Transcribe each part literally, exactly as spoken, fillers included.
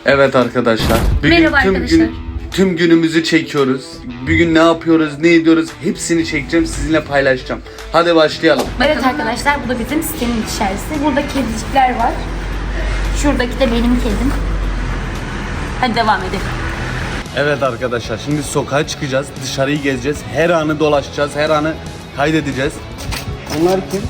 Evet arkadaşlar. Bugün Merhaba tüm arkadaşlar. gün tüm günümüzü çekiyoruz. Bugün ne yapıyoruz, ne ediyoruz hepsini çekeceğim, sizinle paylaşacağım. Hadi başlayalım. Evet arkadaşlar, bu da bizim sitenin içerisi. Burada kedicikler var. Şuradaki de benim kedim. Hadi devam edelim. Evet arkadaşlar, şimdi sokağa çıkacağız, dışarıyı gezeceğiz, her anı dolaşacağız, her anı kaydedeceğiz. Bunlar kim?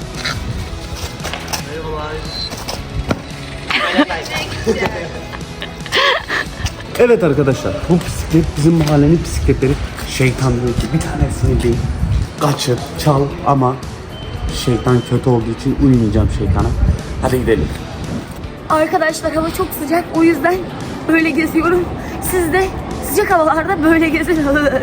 Evet arkadaşlar, bu bisiklet bizim mahallenin bisikletleri. Şeytan diyor ki bir tanesini değil, kaçır, çal ama şeytan kötü olduğu için uymayacağım şeytana. Hadi gidelim. Arkadaşlar, hava çok sıcak, o yüzden böyle geziyorum. Siz de sıcak havalarda böyle gezin.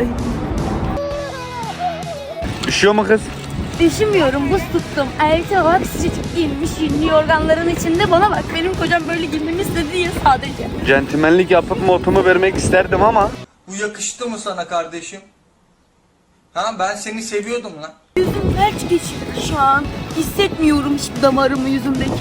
Üşüyor mu kız? Üşümüyorum, buz tuttum. Elbise bak, sıcacık giyinmiş, yünlü yorganların içinde. Bana bak, benim kocam böyle giyinmemi istedi diye sadece. Centilmenlik yapıp motumu vermek isterdim ama Bu yakıştı mı sana kardeşim? Ha, ben seni seviyordum lan. Yüzüm felç geçiyor şu an. Hissetmiyorum hiçbir damarımı yüzümdeki.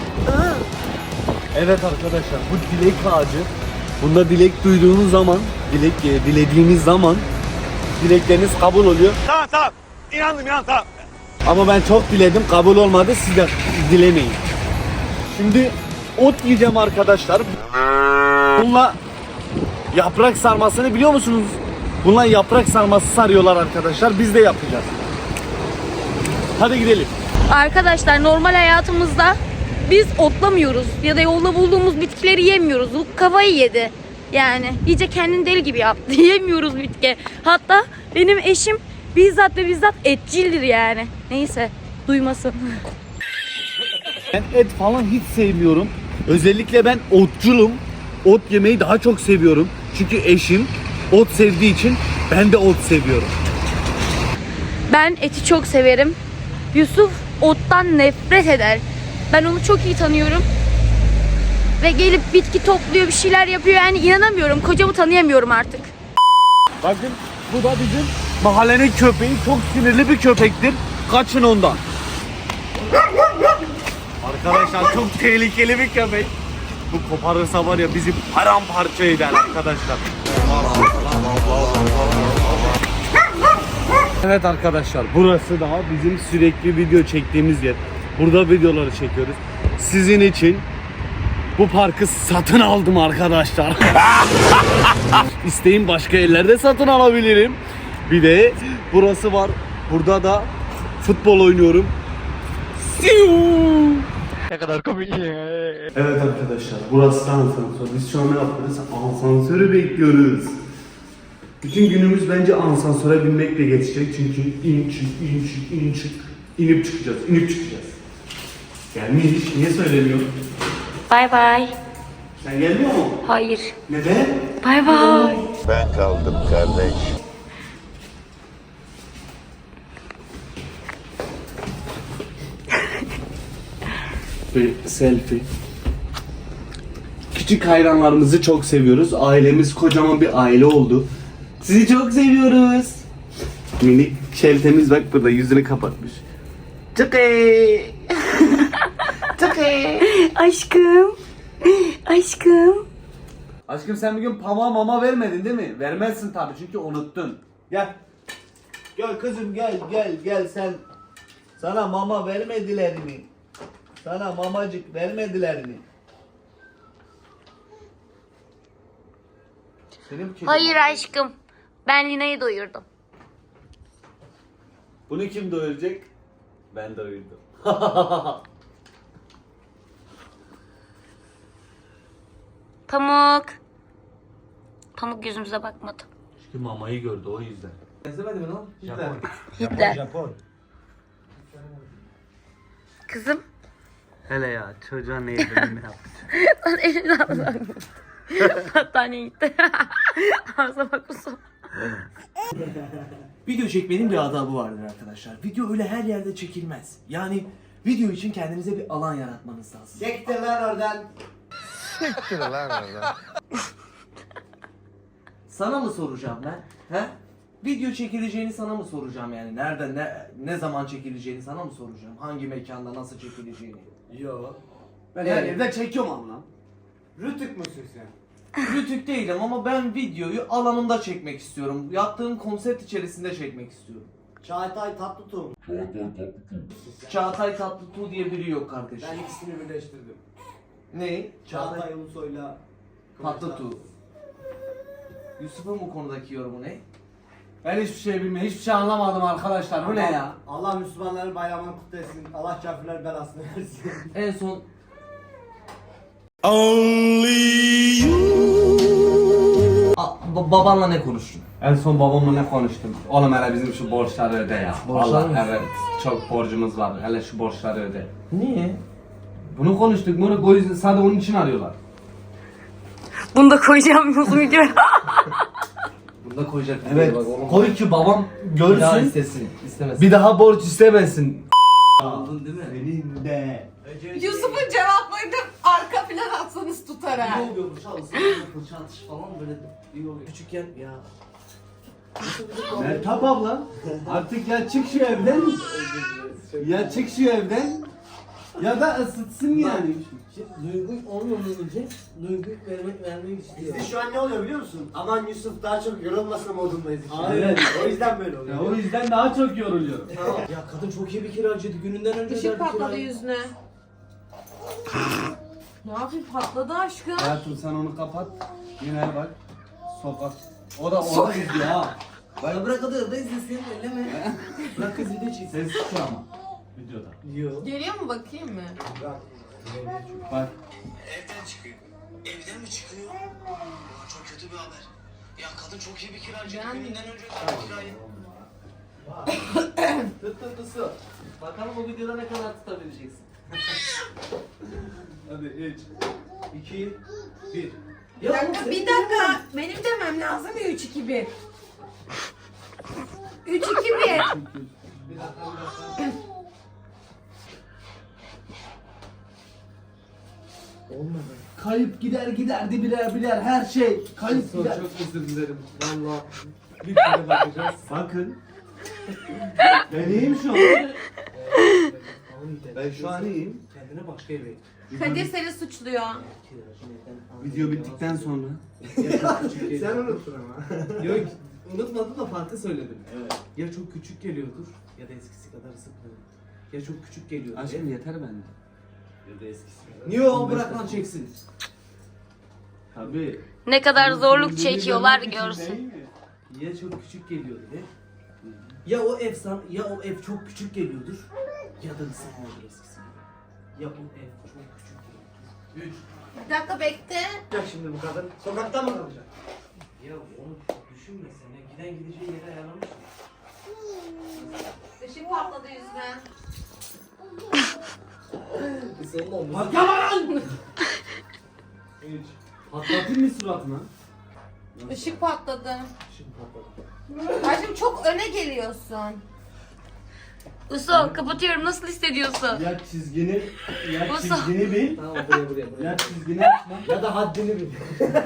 evet arkadaşlar, bu dilek ağacı. Bunda dilek duyduğunuz zaman, dilek e, dilediğiniz zaman dilekleriniz kabul oluyor. Tamam tamam. İnandım inan tamam. Ama ben çok diledim, kabul olmadı. Siz de dilemeyin. Şimdi ot yiyeceğim arkadaşlar. Bununla yaprak sarmasını biliyor musunuz? Bununla yaprak sarması sarıyorlar arkadaşlar. Biz de yapacağız. Hadi gidelim. Arkadaşlar, normal hayatımızda biz otlamıyoruz ya da yolda bulduğumuz bitkileri yemiyoruz. Bu kafayı yedi. Yani iyice kendini deli gibi yaptı. Yemiyoruz bitki. Hatta benim eşim bizzat ve bizzat etçildir yani. Neyse, duymasın. Ben et falan hiç sevmiyorum. Özellikle ben otçulum. Ot yemeyi daha çok seviyorum. Çünkü eşim ot sevdiği için ben de ot seviyorum. Ben eti çok severim. Yusuf ottan nefret eder. Ben onu çok iyi tanıyorum. Ve gelip bitki topluyor, bir şeyler yapıyor. Yani inanamıyorum. Kocamı tanıyamıyorum artık. Bakın, bu da bizim mahallenin köpeği. Çok sinirli bir köpektir. Kaçın ondan. Arkadaşlar çok tehlikeli bir köpek. Bu koparırsa var ya bizi paramparça eder arkadaşlar. Evet arkadaşlar, burası daha bizim sürekli video çektiğimiz yer. Burada videoları çekiyoruz. Sizin için bu parkı satın aldım arkadaşlar. İsteyin başka yerlerde satın alabilirim. Bir de burası var. Burada da futbol oynuyorum. Ne kadar komik. Evet arkadaşlar, burası da asansör. Biz şu an ne yapıyoruz? Asansörü bekliyoruz. Bütün günümüz bence asansöre binmekle geçecek. Çünkü in çık, in çık, in çık. İnip çıkacağız, inip çıkacağız. Gelmiş, niye söylemiyor? Bay bay. Sen gelmiyor mu? Hayır. Neden? Bay bay. Ben kaldım kardeş. Bir selfie. Küçük hayranlarımızı çok seviyoruz. Ailemiz kocaman bir aile oldu. Sizi çok seviyoruz. Minik şeltemiz bak burada, yüzünü kapatmış. Çok iyi. Çok iyi. Aşkım. Aşkım. Aşkım, sen bugün pama mama vermedin değil mi? Vermezsin tabii çünkü unuttun. Gel. Gel kızım, gel gel gel sen. Sana mama vermediler mi? Sana mamacık vermediler mi? Senin kim? Hayır aşkım. Ben Lina'yı doyurdum. Bunu kim doyuracak? Ben doyurdum. Pamuk. Pamuk yüzümüze bakmadı. Çünkü mamayı gördü, o yüzden. İzlemedi mi lan? Hitler. Hitler. Japon. Kızım. Hele ya, çocuğa ne yedirdiğini yaptı. Lan elini ağzına. Battaniye gitti. Ağzına bak Musa. Video çekmenin bir adabı vardır arkadaşlar. Video öyle her yerde çekilmez. Yani video için kendinize bir alan yaratmanız lazım. Çekti lan oradan. Siktir lan oradan. Sana mı soracağım ben? He? Video çekileceğini sana mı soracağım yani? Nerede, ne ne zaman çekileceğini sana mı soracağım? Hangi mekanda, nasıl çekileceğini? Yo. Ben Evet. her yerde çekiyorum ama lan. Rütük müsün sen? Rütük değilim ama ben videoyu alanımda çekmek istiyorum. Yaptığım konsept içerisinde çekmek istiyorum. Çağatay Tatlıtuğ. Çağatay Tatlıtuğ diye biri yok kardeşim. Ben ikisini birleştirdim. Ne? Çağatay Ulusoy'la Tatlıtuğ. Yusuf'un bu konudaki yorumu ne? Ben hiçbir şey bilmiyorum. Hiçbir şey anlamadım arkadaşlar. Bu ne ya? Allah Müslümanların bayramını kutlu etsin. Allah kafirler belasını versin. En son A- ba- babanla ne konuştun? En son babamla ne konuştum? Oğlum hele bizim şu borçları öde ya. Borçlar Vallahi mı? evet. Çok borcumuz var. Hele şu borçları öde. Niye? Bunu konuştuk. Bunu koy- sadece onun için arıyorlar. Bunu da koyacağım uzun videoya. Bunu da koyacak. Evet. Bak, oğlum. Koy ki babam Bir daha görsün. istesin. İstemesin. Bir daha borç istemesin. Aldın değil mi? Senin de. Yusuf'un cevaplarını arka plan atsanız tutar ha. İyi oluyor bu çalsın. Fırça atış falan böyle iyi oluyor. Küçükken ya. Mertap abla. Artık ya çık şu evden. Ya çık şu evden. Ya da ısıtsın yani. Duygu olmamayınca duygu vermek vermek istiyor. Bizde şu an ne oluyor biliyor musun? Aman Yusuf daha çok yorulmasın modundayız işte. Aynen. O yüzden böyle oluyor. Ya o yüzden daha çok yoruluyorum. Ya kadın çok iyi bir kiracıydı. Gününden önce Işık öderdi patladı kirayı. yüzüne. Ne yapayım patladı aşkım. Hayatım sen onu kapat. Yine bak. Sokak. O da orada izliyor ha. Ya bırak hadi orada izlesin elleme. Bırak kız video çeksin. Ses çıkıyor ama. Videoda. Diyor. Geliyor mu bakayım mı? Bak. Evden çıkıyor. Evden mi çıkıyor? Ulan çok kötü bir haber. Ya kadın çok iyi bir kiracı. Ben- Gününden önce ödedim kirayı. Tut tut tut su. Bakalım o videoda ne kadar tutabileceksin. Hadi üç. iki, bir. Bir dakika, bir dakika. Benim demem lazım ya üç iki bir. üç iki bir. Kayıp gider giderdi birer birer her şey. Kayıp Çok gider. çok özür dilerim. Valla. Bir kere bakacağız. Bakın. Ben iyiyim şu an. Ben şu an iyiyim. Kendine başka eve. Kadir seni suçluyor. Video bittikten sonra. Sen unuttun ama. Yok unutmadım da farkı söyledim. Evet. Ya çok küçük geliyordur ya da eskisi kadar sıkmıyor. Ya çok küçük geliyordur. Aşkım yeter bende. Ya da eskisi kadar. Niye o bırak lan çeksin. Tabii. Ne kadar zorluk çekiyorlar görsün. Ya çok küçük geliyordu ya. Ya o ev san, ya o ev çok küçük geliyordur ya da ısıtmıyordur eskisi gibi. Ya o ev çok küçük geliyordur. Üç. Bir dakika bekle. Bak şimdi bu kadın sokakta mı kalacak? Ya onu düşünmesene. Giden gideceği yere ayarlamış. Işık patladı yüzüne. Patlama lan! Üç. Patlatayım mı suratına? Işık patladı. Şimdi patladı. Aşkım çok öne geliyorsun. Uso kapatıyorum, nasıl hissediyorsun? Ya çizgini, ya Usta. çizgini bil. Tamam buraya buraya buraya. Ya çizgini açma. Ya da haddini bil.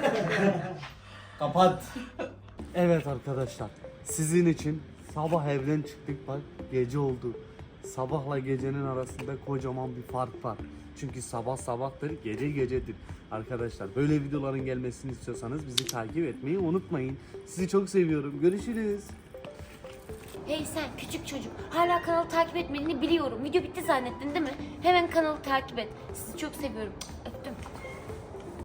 Kapat. Evet arkadaşlar. Sizin için sabah evden çıktık bak gece oldu. Sabahla gecenin arasında kocaman bir fark var. Çünkü sabah sabahtır, gece gecedir. Arkadaşlar böyle videoların gelmesini istiyorsanız bizi takip etmeyi unutmayın. Sizi çok seviyorum. Görüşürüz. Hey sen küçük çocuk, hala kanalı takip etmediğini biliyorum. Video bitti zannettin değil mi? Hemen kanalı takip et. Sizi çok seviyorum. Öptüm.